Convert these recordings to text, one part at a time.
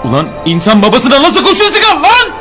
Ulan insan babasına nasıl kurşun sıkar lan?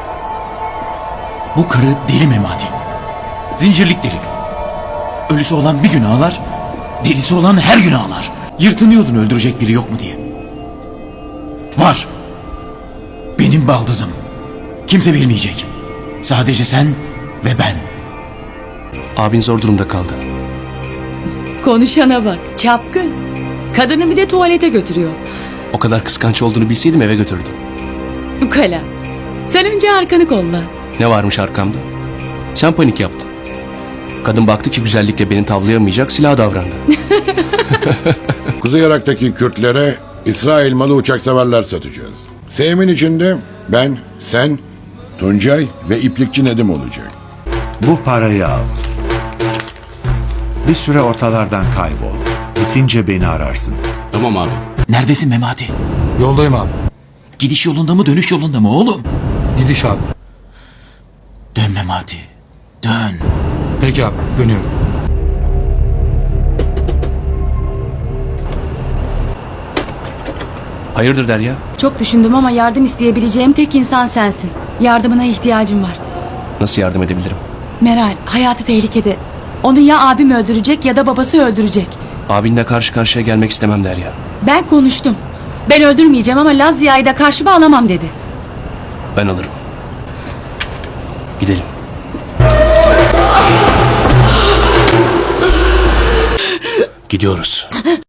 Bu karı deli Memati. Zincirlik deli. Ölüsü olan bir gün ağlar, delisi olan her gün ağlar. Yırtınıyordun öldürecek biri yok mu diye. Var. Benim baldızım. Kimse bilmeyecek. Sadece sen ve ben. Abin zor durumda kaldı. Konuşana bak. Çapkın. Kadını bir de tuvalete götürüyor. O kadar kıskanç olduğunu bilseydim eve götürdüm. Ukala. Sen önce arkanı kolla. Ne varmış arkamda? Sen panik yaptın. Kadın baktı ki güzellikle beni tavlayamayacak, silah davrandı. Kuzey Irak'taki Kürtlere İsrail malı uçak savarlar satacağız. Seyimin içinde ben, sen, Tuncay ve iplikçi Nedim olacak. Bu parayı al. Bir süre ortalardan kaybol. Bitince beni ararsın. Tamam abi. Neredesin Memati? Yoldayım abi. Gidiş yolunda mı dönüş yolunda mı oğlum? Gidiş abi. Dön Memati. Dön. Peki abi, dönüyorum. Hayırdır Derya? Çok düşündüm ama yardım isteyebileceğim tek insan sensin. Yardımına ihtiyacım var. Nasıl yardım edebilirim? Meral, hayatı tehlikede. Onu ya abim öldürecek ya da babası öldürecek. Abinle karşı karşıya gelmek istemem Derya. Ben konuştum. Ben öldürmeyeceğim ama Laz Ziya'yı da karşıma alamam dedi. Ben alırım. Gidelim. Gidiyoruz.